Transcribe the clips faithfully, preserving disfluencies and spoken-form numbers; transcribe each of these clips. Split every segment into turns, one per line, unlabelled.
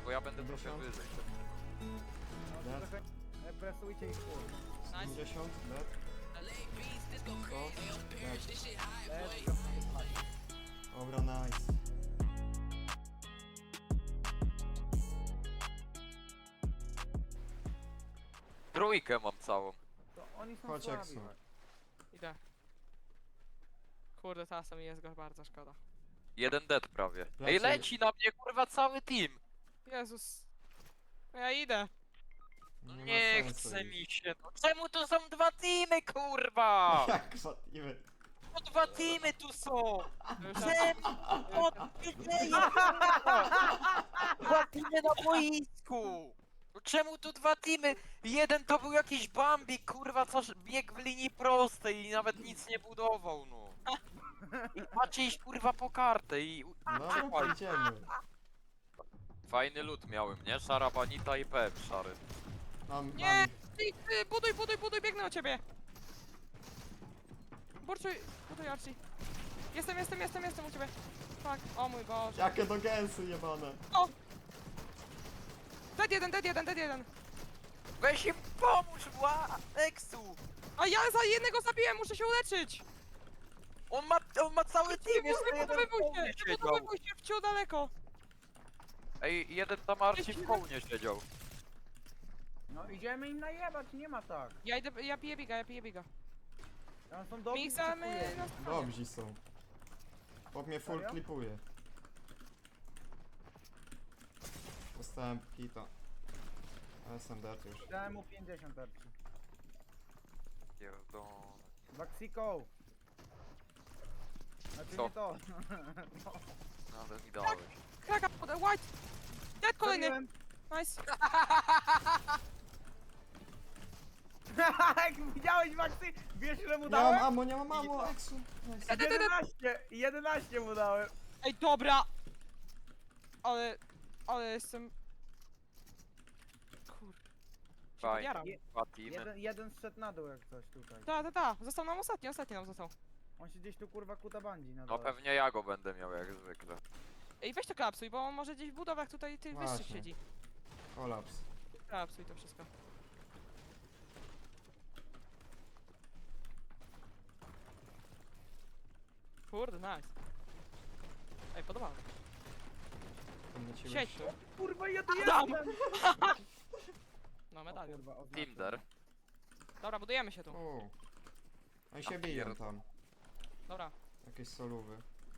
bo ja będę trochę
pięćdziesiąt.
wyżej.
No,
Dead.
trochę e, presujcie ich full.
Nice.
pięćdziesiąt, dead. sto, dead.
Let's go.
Dobra, nice.
Trójkę mam całą.
To oni są
Chodź, jak
słabi.
są.
chodź.
Idę. Kurde, teraz mi jest go bardzo szkoda.
Jeden dead prawie. Ej,
Leci.
leci na mnie kurwa cały team.
Jezus. No ja idę.
No
ma
nie
sensu
chce
iść.
mi się. No czemu tu są dwa teamy kurwa?
Jak zatimy?
No dwa teamy tu są.
Już
Czemu? O, ty dzieje, kurwa? Dwa teamy na boisku. No czemu tu dwa teamy? Jeden to był jakiś Bambi, kurwa, co biegł w linii prostej i nawet nic nie budował, no. I macie iść kurwa po kartę i...
No, idziemy.
Fajny lód miałem, nie? Szara banita i P F szary.
Mam,
Nie!
mam.
Ty, ty, buduj, buduj, buduj, biegnę o ciebie! Burczuj, buduj Archie. Jestem, jestem, jestem, jestem u ciebie. Tak, o mój Boże.
Jakie to gęsy jebane.
O! Dead jeden, dead jeden, dead jeden.
Weź im pomóż, wła! Exu!
A ja za jednego zabiłem, muszę się uleczyć!
On ma, on ma cały team, jeszcze jeden
Wybudowywuj
w kołnie
się,
siedział.
wybudowywuj się w ciu daleko.
Ej, jeden tam Archie w kołnie siedział.
No idziemy im najebać, nie ma tak.
Ja idę, ja piję biga, ja piję biga.
Tam są dobrzy,
Miksamy
dziękuję.
na stronie.
Dobrzy są. Chłop mnie full
Serio?
klipuje. Dostałem hita. Ale jestem dead już.
Dałem mu pięćdziesiąt tarczy.
Pierdolę.
Vaxico! Znaczy
Co?
nie to.
No, ale mi dałeś.
Kraka, poda- white! Dead kolejny!
Zabiłem.
Nice.
Widziałeś Maxi? Wiesz ile mu
Nie mam
dałem?
ammo, nie mam ammo, Exu. Nice.
jedenaście! jedenaście mu dałem!
Ej, dobra! Ale, ale jestem... Kur... Się
Fajnie.
podjaram.
Je-
Dwa teamy.
Jeden, jeden zszedł na dół jak coś tutaj.
Ta, ta, ta, został nam ostatni, ostatni nam został.
On się gdzieś tu kurwa kuta bandzi na
No
dole.
pewnie ja go będę miał jak zwykle.
Ej, weź to klapsuj, bo on może gdzieś w budowach tutaj tych wyższych
Właśnie.
siedzi.
Kolaps.
Klapsuj to wszystko. Kurde, nice. Ej, podobało mi się.
Tam na ciebie
Siedź tu.
Kurwa ja tu
Adam!
jestem!
No,
O
medalion.
kurwa, oznaczam.
Tinder.
Dobra, budujemy się tu.
O. Oni się
A
biją
pierd-
tam.
Dobra.
Jakieś solówy.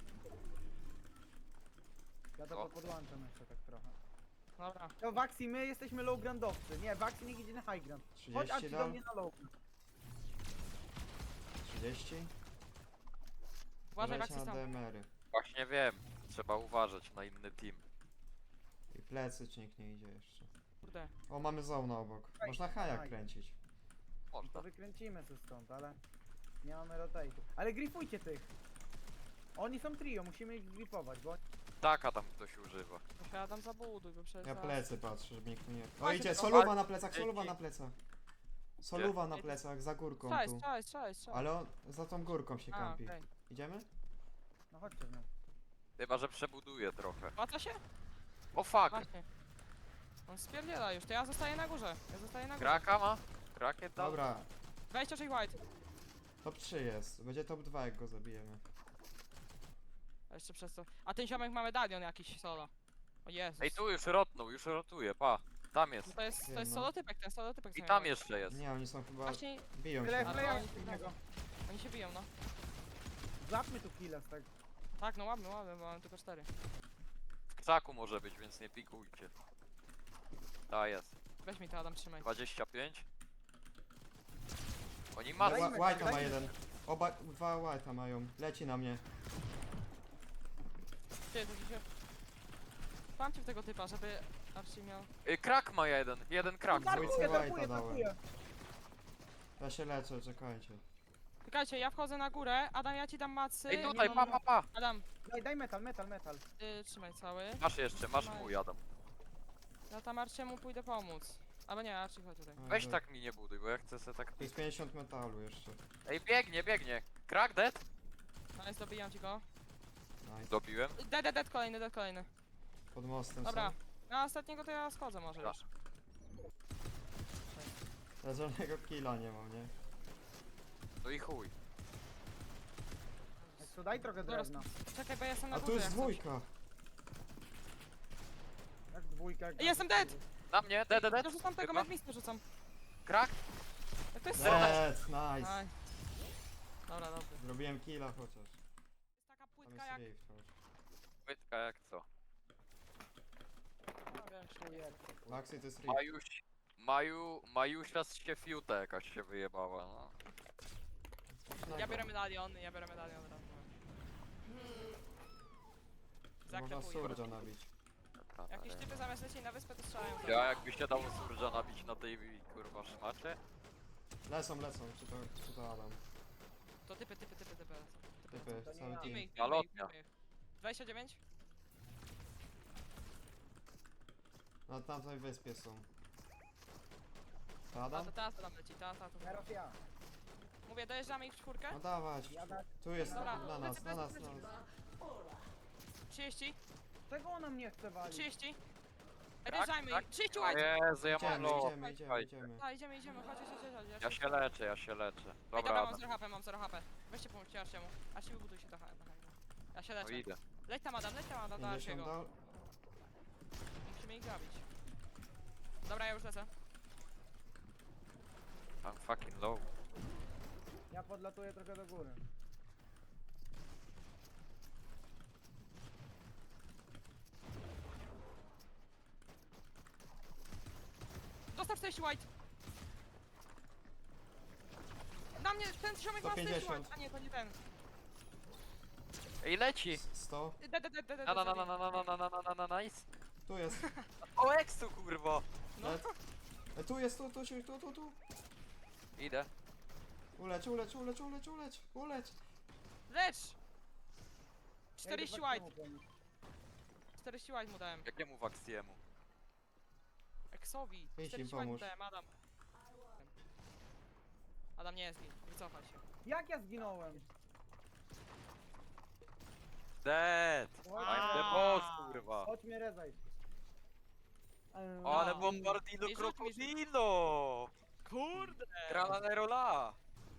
Ja to
O.
podłączam jeszcze tak trochę.
Dobra.
To Vaxi, my jesteśmy low groundowcy. Nie, Vaxi niech idzie na high ground. Chodź
trzydzieści
Arci do
dam?
mnie na low ground.
trzydzieści?
Uważaj,
Leci
Maxi
na
tam.
D M R-y.
Właśnie wiem. Trzeba uważać na inny team.
I plecy czy nikt nie idzie jeszcze.
Kurde.
O, mamy zona obok. Można hajak kręcić.
To
Można.
wykręcimy tu stąd, ale nie mamy rotate'u. Ale grifujcie tych! Oni są trio, musimy ich grifować, bo...
Taka tam ktoś używa.
Posiadam zabuduj, bo przecież...
Ja
zaraz-
plecy patrzę, żeby nikt tu nie... O,
Chodź,
idzie,
to-
soluwa na plecach, soluwa
Dzięki.
na plecach. Soluwa na plecach, za górką
Cześć,
tu.
cześć, cześć, cześć.
Ale on za tą górką się
A,
kampi.
okej.
Idziemy?
No chodźcie w nią.
Chyba, że przebuduję trochę.
Łatwo się?
O fuck!
Właśnie. On spierdziela już, to ja zostaję na górze. Ja zostaję na górze.
Kraka ma? Krakiet dał?
Dobra,
dwadzieścia sześć white.
top trzy jest. Będzie top dwa jak go zabijemy.
A jeszcze przez to. A ten ziomek ma medalion jakiś solo. O Jezus.
Ej, tu już rotnął, już rotuje, pa. Tam
No
jest.
to jest, to
Wiem,
jest
no.
solotypek, ten solotypek.
I
co
tam
miał.
jeszcze jest.
Nie, oni są chyba...
Właśnie,
biją
Tyle
się.
Ale
wklejam
oni-
w niego.
oni się biją, no.
Złapmy tu chwilę z tego.
Tak, no ładny, ładny, bo mam tylko cztery.
W krzaku może być, więc nie pikujcie. Ta jest.
Weź mi to, Adam, trzymaj.
dwadzieścia pięć. Oni
Wha-
mają.
Dajmy,
White'a ma
dajmy.
jeden. Oba, dwa White'a mają. Leci na mnie.
Gdzie to się... Pamcie w tego typa, żeby Archie miał...
Y, krak ma jeden, jeden krak.
Darkuję.
Darkuję,
White'a
darkuję,
dałem.
darkuję.
Ja się leczę, czekajcie.
Czekajcie, ja wchodzę na górę. Adam, ja ci dam macy.
Ej,
nie
tutaj,
mam-
pa, pa, pa.
Adam,
Daj, daj metal, metal, metal.
y, trzymaj cały.
Masz jeszcze, masz mój, Adam.
Ja tam Archiemu pójdę pomóc. Albo nie, Archie, chodź tutaj.
Weź tak mi nie buduj, bo ja chcę se tak...
To jest pięćdziesiąt metalu jeszcze.
Ej, biegnie, biegnie. Krak dead?
No jest, dobijam ci go.
Nice.
Dobiłem.
Dead, dead, dead, kolejny, dead, kolejny.
Pod mostem
Dobra.
są.
Na ostatniego to ja schodzę może już.
Ja żadnego killa nie mam, nie?
No i chuj.
To daj trochę
Dobra,
drewna.
Czekaj, bo ja jestem na
A
górze.
tu jest
jak coś.
dwójka!
Jak dwójka, jak
Ej, jestem dead!
Na mnie, dead, dead,
Ja
dead.
rzucam tego,
Chyba.
medmiskę rzucam.
Krak?
Jak to jest
Dead, nice!
Aj. Dobra, dobrze.
Zrobiłem killa chociaż.
Jest taka
Tam
płytka
jest
jak...
rift chociaż.
Pytka jak co?
No, wiesz.
Maxi to jest rift.
Majuś... Maju... Majusia z się fiuta jakaś się wyjebała, no.
Ja biorę medalion, ja biorę medalion raz.
Można
Zaklepuję.
surdża nabić.
Dobra,
Jakieś
dalej.
typy zamiast lecieć na wyspę to strzelają. za-
Ja jakby się dało surża nabić na tej kurwa szmacie?
Lecą, lecą, czy to, czy to Adam?
To typy, typy, typy, typy.
Typy,
To nie
cały
ja.
team.
Bijmy ich, bijmy ich,
Malotnia.
bijmy ich. dwadzieścia dziewięć?
Na tamtej wyspie są. To
A
Adam?
to teraz to tam leci, teraz to.
Teraz ja.
Mówię, dojeżdżamy ich w czwórkę?
No dawać!
Jada.
Tu jest,
Dobra,
na nas,
lecę,
na nas,
lecę,
na
lecę.
nas.
trzydzieści,
Czego ona mnie chce walić?
trzydzieści. Ej,
Tak,
dojeżdżajmy
tak.
ich, trzydzieści
O
white!
Jezu, ja mam
Idziemy,
low.
idziemy, idziemy, idziemy.
A, idziemy, idziemy, chodź, chodź, chodź, chodź.
Ja się leczę, ja się leczę.
Ej,
Dobra,
dobra, mam
Adam.
zero H P, mam zero H P. Weźcie pomóżcie Arciemu. Arci, wybuduj się trochę. trochę. Ja się
No
leczę.
idę.
Leć tam Adam, leć tam Adam do
pięćdziesiąt
Arciego.
dal.
Musimy ich zabić. Dobra, ja już lecę.
I'm fucking low.
Ja podlatuję trochę do góry.
Dostał czterdzieści white! Na mnie, ten ziomek ma
sto
czterdzieści
pięćdziesiąt.
white, a nie, to nie ten.
Ej, leci!
sto.
De, de, de, de, de,
Na na na
de,
na na na na na na na na nice!
Tu jest.
O ekstu kurwa!
No.
Dead. E, tu jest, tu, tu, tu, tu, tu, tu.
Idę.
Uleć, uleć, uleć, uleć, uleć, uleć.
Lecz!
Ja
czterdzieści
idę
white,
Waxiemu pomóc.
czterdzieści white mu dałem.
Jakiemu waksiemu?
Exowi,
im
czterdzieści white mu
pomóż.
dałem, Adam. Adam nie jest git, wycofaj się.
Jak ja zginąłem?
Dead! I'm the boss kurwa!
Chodź mnie rezaj.
O, ale
No.
bombardino
I rzuć mi, rzuć.
krokodilo!
Kurde!
Tralanerola!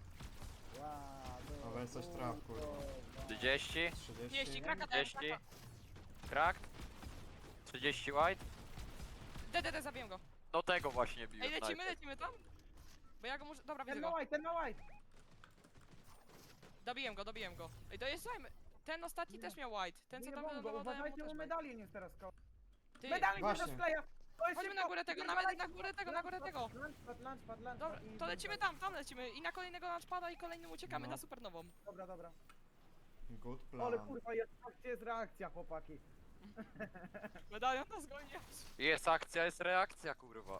Wow,
O, weź coś traf, kurwa.
trzydzieści,
trzydzieści,
trzydzieści.
kraka dałem,
trzydzieści,
kraka.
krak, trzydzieści white.
De, de, de, zabiję go.
No tego właśnie biłem.
Ej, lecimy,
najpierw.
lecimy tam? Bo ja go muszę, dobra, widzę
Ten ma
go.
white, ten ma white.
Dobiłem go, dobiłem go. Ej, dojeżdżajmy. Ten ostatni też miał white. Ten co tam
Wyjebałem go,
wylądował, dałem mu
uważajcie,
też
bo
white.
medalion jest teraz koło.
Ty,
Medalion
Właśnie.
się rozkleja! To jest
chodźmy na
szybko.
górę tego, na,
Wypierdalaj.
na górę tego, na górę tego.
Lunchpad, lunchpad, lunchpad.
Dobra,
i-
to lecimy tam, tam lecimy. I na kolejnego launchpada i kolejnym uciekamy
No.
na supernową.
Dobra, dobra.
Good
Ale
plan.
kurwa, jest, patrzcie, jest reakcja, chłopaki.
Medalion nas goni.
Jest akcja, jest reakcja kurwa.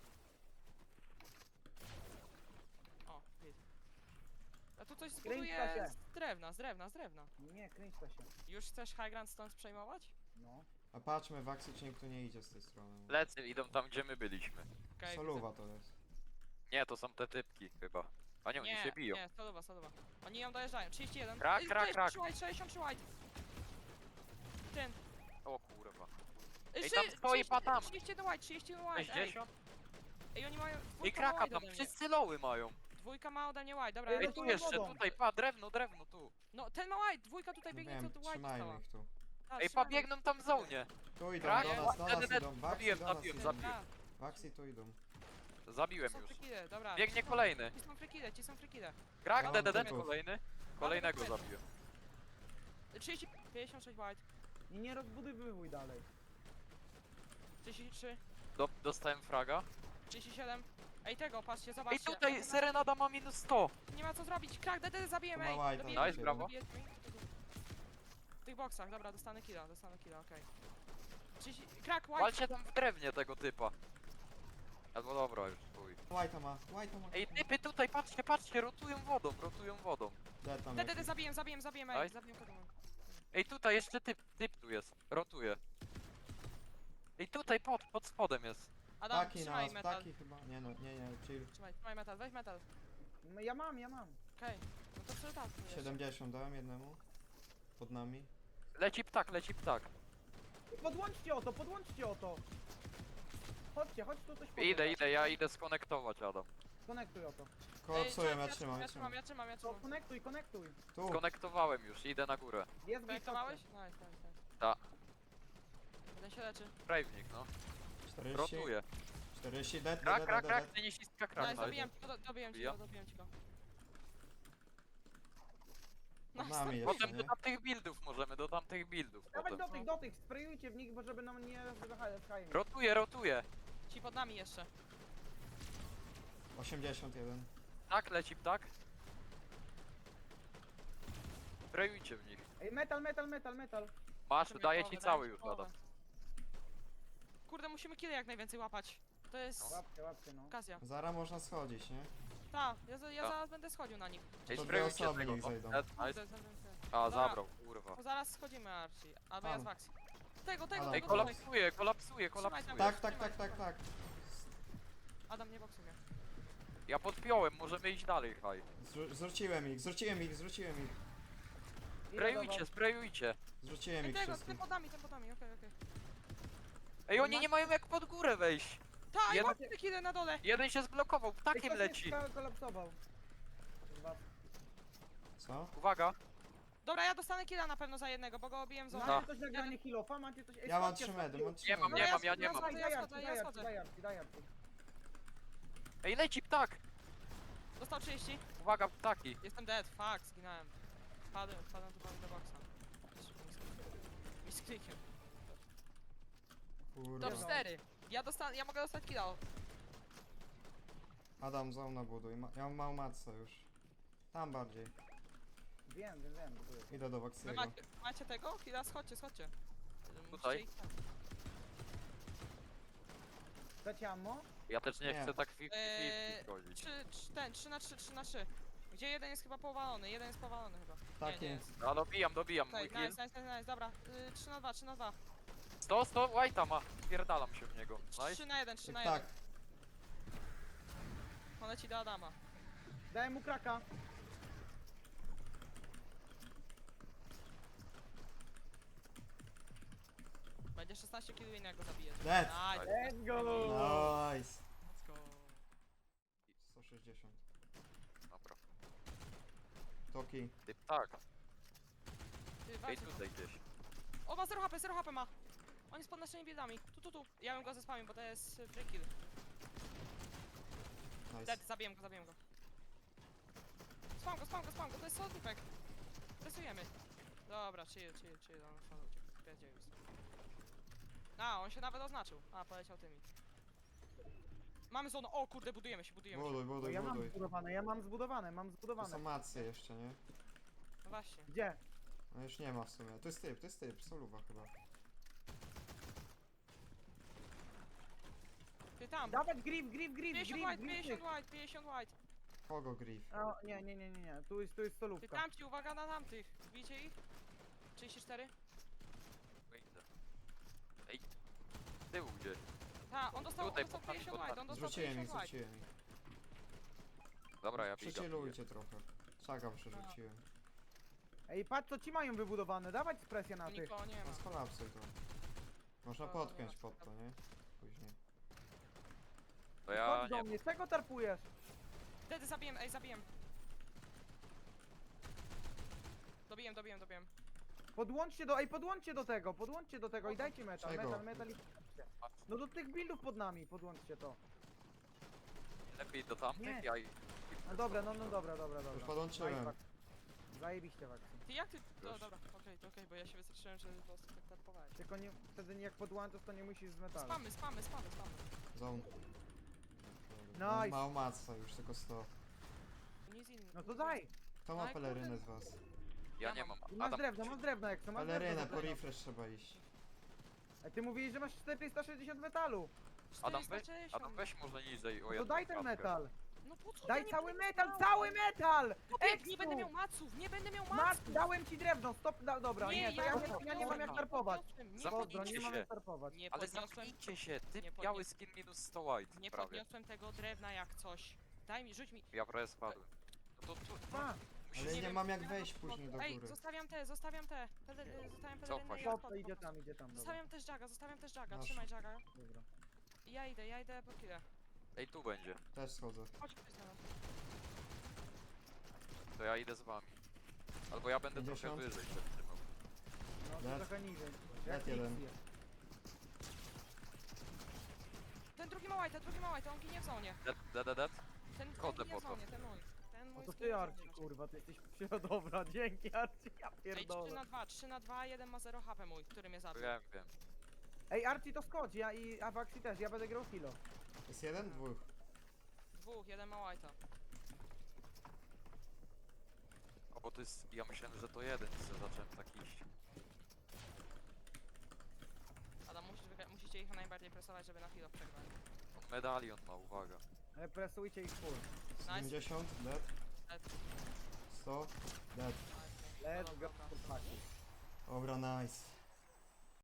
O, jest. A tu coś
Kręćta
zbuduje
się.
z drewna, z drewna, z drewna.
Nie, kręć to się.
Już chcesz High Ground stąd przejmować?
No.
A patrzmy, Waxy, czy nikt tu nie idzie z tej strony.
Lecy idą tam gdzie my byliśmy.
Okej,
Soluwa to jest.
Nie, to są te typki chyba. A nie, oni
nie,
się biją.
nie, solowa, solowa. Oni ją dojeżdżają, trzydzieści jeden.
Krak,
Ej,
krak,
sześćdziesiąt trzy
krak.
white, sześćdziesiąt trzy white. Ten.
O kurwa.
Ej,
Ej, tam
szy-
stoi
trzydzieści-
patam.
trzydzieści jeden white, trzydzieści jeden white, ej.
sześćdziesiąt?
Ej, oni mają,
Ej,
dwójka ma
kraka
white
tam,
ode mnie.
wszyscy loły mają.
Dwójka ma ode mnie white, dobra,
Ej,
ja
Ej,
no
tu
to
rotuję.
jeszcze,
wodą.
tutaj, pa, drewno, drewno, tu.
No, ten ma white, dwójka tutaj
No
biegnie,
wiem,
co tu white
trzymajmy
dostała.
ich tu.
A,
Ej, pa,
trzymajmy.
biegną tam w zonie.
Tu idą,
Krak?
do nas, do nas
Dead, dead,
idą. Waxy
zabiłem,
do nas
zabiłem,
idą.
zabiłem.
A,
Waxy tu idą.
Zabiłem
są
już.
frikide, dobra.
Biegnie kolejny.
Ci są frikide, ci są frikide.
Krak,
Mam
dead, dead,
typów.
kolejny. Kolejnego
typów.
zabiłem.
trzydzieści, pięćdziesiąt sześć white,
I nie rozbudowywuj dalej.
trzydzieści trzy,
Do, dostałem fraga.
trzydzieści siedem. Ej, tego, patrzcie,
Ej,
zobaczcie.
tutaj Serenada ma minus sto.
Nie ma co zrobić, krak, D D zabijemy,
Tu
ej.
ma white'a,
dobijemy.
Nice, brawo.
Dobijemy. W tych boksach, dobra, dostanę killa, dostanę killa, okej. trzydzieści, krak, white.
Walcie tam w drewnie tego typa. Albo dobra, już chuj.
White'a ma, White'a ma.
Ej, typy tutaj, patrzcie, patrzcie, rotują wodą, rotują wodą.
Dead tam
D D
jakiś.
zabiję, zabiję, zabiję, ej,
Nice.
zabiję kogo.
Ej, tutaj jeszcze typ, typ tu jest, rotuje. Ej, tutaj pod, pod spodem jest.
Adam,
Taki
trzymaj
nas,
metal.
taki chyba. Nie no, nie, nie, chill.
Trzymaj, trzymaj metal, weź metal.
No, ja mam, ja mam.
Okej, no to przeczytam.
siedemdziesiąt dałem jednemu. Pod nami.
Leci ptak, leci ptak.
Podłączcie o to, podłączcie o to. chodźcie, chodź tu coś podnieść.
Idę, idę, ja idę skonektować, Adam.
Konektuj oto.
Kolapsuję,
Ej,
ja
czekaj,
trzymam, ja
Ja trzymam,
trzymam.
ja trzymam, ja
To
trzymam.
konektuj, konektuj.
Tu,
Skonektowałem już, idę na górę.
Jest git,
Konektowałeś?
chodźcie.
Nice, nice, nice.
Ta.
Jeden się leczy.
Prawnik, no.
czterdzieści,
Rotuję.
czterdzieści, dead,
Krak,
dead,
krak,
dead,
krak,
dead.
tenisistka
Nice,
krak.
dobiłem ci go, do- dobiłem ci
Bija?
go, dobiłem ci go.
Pod
Nice,
nami jeszcze,
Potem do
nie?
tamtych buildów możemy, do tamtych buildów
Dawać
potem.
do tych, do tych, sprayujcie w nich, bo żeby nam nie rozhajem.
Rotuję, rotuję.
ci pod nami jeszcze.
osiemdziesiąt jeden.
Tak, leci ptak. Sprayujcie w nich.
Ej, metal, metal, metal, metal.
Masz,
Dajcie mi
daję
połowę,
ci
dajcie
cały
mi
już,
połowę.
Adam.
Kurde, musimy kile jak najwięcej łapać. To jest
Łapcie, łapcie, no.
okazja.
Zara można schodzić, nie?
Ta, ja, za- ja
Ta.
zaraz będę schodził na nich.
Ej,
To dwie
sprayujcie
osoby
tego,
niech
no.
zejdą.
Dead,
Kurde,
nice.
za- za-
A,
Dobra.
zabrał, kurwa.
To zaraz schodzimy, Archie. Albo ja
Tam.
z Vaxi. Tego, tego,
Adam.
Ej,
tego,
kolapsuje,
tutaj.
kolapsuje,
Trzymaj
kolapsuje.
tam.
Tak, tak, tak, tak, tak.
Adam, nie boksuj mnie.
Ja podpiąłem, możemy iść dalej, haj.
Zrzu- Zrzuciłem ich, zrzuciłem ich, zrzuciłem ich.
Ile
Sprayujcie,
dawał?
sprayujcie.
Zrzuciłem
Ej,
ich
tego, ten
wszystkich.
pod nami, ten pod nami, okej, okej.
Ej, oni nie mają jak pod górę wejść.
Ta, i
Jeden-
łapcie te kile na dole.
Jeden się zblokował,
Ej,
ptakiem
ktoś
leci.
jest ko- kolapsował. Dwa.
Co?
Uwaga.
Dobra, ja dostanę killa na pewno za jednego, bo go obiłem z
Macie
Tak.
coś na granie healofa? Macie coś... Ej,
Ja mam
schodźcie,
trzy medy,
schodźcie.
mam trzy
Nie mam,
medy.
nie
ja
mam, ja
schodzę,
nie
ja
mam.
schodzę.
Daj Arci,
ja
daj Arci,
schodzę.
daj Arci, daj Arci.
Ej, leci ptak.
Dostał trzydzieści.
Uwaga, ptaki.
Jestem dead, fuck, zginąłem. Wpadłem, wpadłem tu prawie do boxa. Misklikiem.
Kurwa.
Top cztery. Ja dostanę, ja mogę dostać killa.
Adam, zona buduj. Ma- Ja mam małą matce już. Tam bardziej.
Wiem, wiem, wiem. buduję.
Idę do
Wy
Waxiego.
macie, macie tego? Killa, schodźcie, schodźcie. Musicie
Tutaj?
ich tam.
Chcecie ammo?
Ja też nie,
Nie.
chcę tak fifty
Eee,
fifty chodzić.
Trzy, trzy, ten, trzy na trzy, trzy na trzy. Gdzie jeden jest chyba powalony, jeden jest powalony chyba.
Tak
nie, nie
jest.
No dobijam, dobijam,
Tutaj,
mój kill.
nice, nice, nice, nice, dobra. Y, trzy na dwa, trzy na dwa.
sto, sto, White'a ma. Pierdalam się w niego. Nice.
trzy na jeden, trzy na
Tak,
jeden. On leci do Adama.
Daj mu kraka.
Będzie szesnaście killi jak go zabije.
dead.
Nice.
Let's go!
Nice.
Let's go.
sto sześćdziesiąt.
Dobra.
Toki.
Ty ptak.
Ty,
Ej,
walcie
tutaj gdzieś.
O, ma zero H P, zero H P ma. On jest pod naszymi buildami. Tu, tu, tu. Ja bym go zespamił, bo to jest y, free kill.
Nice.
Dead, zabiję go, zabiję go. Spam go, spam go, spam go, to jest soldipek. Presujemy. Dobra, chill, chill, chill, on stąd uciekł. Spierdzielił już. A, on się nawet oznaczył. A, poleciał tymi. Mamy zonę, o kurde, budujemy się, budujemy się.
Buduj,
Bo
buduj,
ja mam
buduj.
zbudowane, ja mam zbudowane, mam
To są
zbudowane.
macy jeszcze, nie?
No właśnie.
Gdzie?
No już nie ma w sumie. To jest typ, to jest typ, soluwa chyba.
Ty tam.
Dawać grif, grif, grif,
pięćdziesiąt
grif,
white,
grif.
pięćdziesiąt white, pięćdziesiąt white.
Kogo grief?
O, nie, nie, nie, nie, nie, tu jest, tu jest
Ty
solówka.
tamci, uwaga na tamtych. Widzicie ich? trzydzieści cztery?
Wyjdę. Ej. Z tyłu gdzieś.
Ta, on dostał, on
Tutaj,
dostał
pod nami,
pięćdziesiąt
pod
white, on dostał
Zrzuciłem ich,
pięćdziesiąt white.
zrzuciłem ich.
Dobra, ja biegam.
Przechillujcie trochę. Szagam przerzuciłem.
Ej, patrz co ci mają wybudowane, dawać presję na
Tu
tych.
nikogo nie ma.
No skolapsuj to. Można
No, no,
podpiąć
nie ma
pod to, nie? Później.
To ja
Chodź do
nie.
mnie, czego tarpujesz?
Wtedy zabiłem, ej, zabiłem. Dobiłem, dobiłem, dobiłem.
Podłączcie do, ej, podłączcie do tego, podłączcie do tego i dajcie metal,
Czego?
metal, metal i... No do tych buildów pod nami, podłączcie to.
Lepiej do tamtych,
Nie.
ja i...
No dobra, no, no dobra, dobra, dobra.
Już podłączyłem.
Daj, Wax. Zajebiście Wax.
Ty jak ty... No
Już.
dobra, okej, to okej, bo ja się wystraszyłem, że po prostu tak tarpowałeś.
Tylko nie, wtedy jak podłączasz to nie musisz z metalu.
Spamy, spamy, spamy, spamy.
Zone.
Nice.
Mał matca, już tylko sto.
To nic innego.
No to daj!
Kto
No
ma
i
pelerynę
kurde.
z was?
Ja
Ja
nie
mam.
mam.
Masz
Adam,
drewno, masz drewno jak to, masz
Pelerynę,
drewno.
po
do tego.
refresh trzeba iść.
A ty mówiłeś, że masz czterysta sześćdziesiąt metalu.
Adam,
czterysta
weź,
sześćdziesiąt.
Adam weź może niżej o
No to
jedną
daj ten
klatkę.
metal.
No po co?
Daj
ja nie
cały
będę
metal,
miał-
cały metal!
Chłopie, Nie
Eksu!
będę miał maców, nie będę miał
Masz,
maców!
dałem ci drewno, stop, da, dobra, nie, to ja,
go
nie, ja nie mam jak
podniosłem,
tarpować.
podniosłem, Nie,
Zamknij
Pozdro, nie
się.
mam jak tarpować.
nie
Ale
podniosłem,
zamknijcie się, ty
Nie podnios-
biały skin minus sto white.
nie
prawie.
podniosłem tego drewna jak coś. Daj mi, rzuć mi.
Ja prawie spadłem. No to tu,
A,
musisz...
Ale
nie
nie
wiem,
mam jak
ja
wejść
to-
później do
Ej,
góry.
zostawiam te, zostawiam te. Pele, y, zostawiam
Cofaj
pelerynę i
się.
stop, to
odpad-
idzie tam, idzie tam, dobra.
Zostawiam też Jaga, zostawiam też Jaga,
Masz.
trzymaj Jaga.
Dobra.
Ja idę, ja idę po chwilę.
Ej, tu będzie.
Też schodzę.
Chodź ktoś na nas.
To ja idę z wami. Albo ja będę trochę
pięćdziesiąt.
wyżej się trzymał.
No to
Dead.
trochę niżej.
Dead
Jak
jeden.
X jest.
Ten drugi ma white, drugi ma white, on ginie w zonie.
Dead, dead, dead, dead.
Ten, ten
Chodzę
ginie w
po to.
zonie, ten mój. Ten
No
mój
to
zginie
ty
w
Arci,
zonie.
kurwa, ty jesteś przy... Dobra, dzięki Arci, ja
Ej, trzy
pierdolę.
na dwa, trzy na dwa, jeden ma zero H P mój, który mnie zabił.
Wiem, wiem.
Ej, Arci to skodź, ja i Avaxi też, ja będę grał kilo.
Jest jeden? Dwóch.
Dwóch, jeden ma white'a.
O, bo to jest... Ja myślałem, że to jeden, co zacząłem tak iść.
Adam, musisz wygra- musicie ich najbardziej presować, żeby na chwilę przegrać.
On medalion ma, uwaga.
Ale presujcie ich full.
siedemdziesiąt, dead.
Dead.
sto, dead.
Let's
Dobra,
go,
dobra.
chłopaki.
Dobra, nice.